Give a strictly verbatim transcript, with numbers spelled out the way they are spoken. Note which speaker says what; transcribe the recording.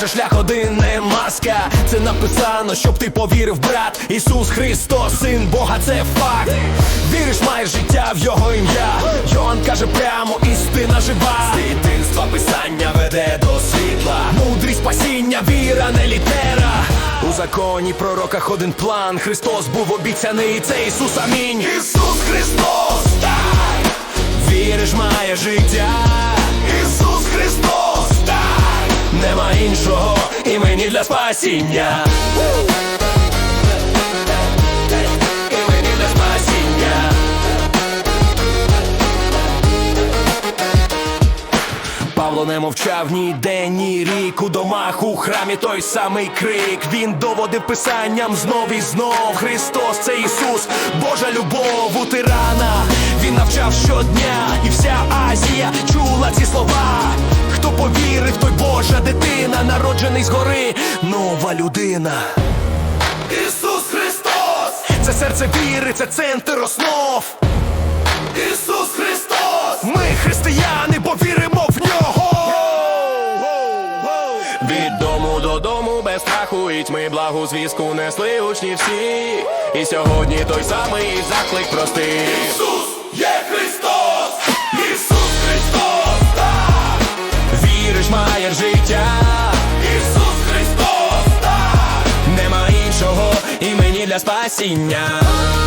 Speaker 1: каже, шлях один не маска. Це написано, щоб ти повірив, брат. Ісус Христос, Син Бога, це факт. Віриш, маєш життя в Його ім'я. Йоанн каже прямо, істина жива. З дитинства Писання веде до світла. Мудрість, спасіння, віра, не літера. У законі, пророках один план. Христос був обіцяний, це Ісус, амінь. Ісус Христос, так. Віриш, має життя. Ісус Христос, так. Нема іншого імені для спасіння. Імені для спасіння. Павло не мовчав ні день, ні рік. У домах, у храмі той самий крик. Він доводив Писанням знов і знов. Христос, це Ісус, Божа любов у тирана. Він навчав щодня, і вся Азія чула ці слова. Хто повірив, той Божа дитина, народжений згори, нова людина. Ісус Христос, це серце віри, це центр основ. Ісус Христос, ми християни, бо віримо в Нього. Від дому додому без страху і тьми благу звістку несли учні всі. І сьогодні той самий заклик простий. Ісус є Христос, Ісус Христос, так. Віриш, маєш життя. Ісус Христос, так. Нема іншого імені для спасіння.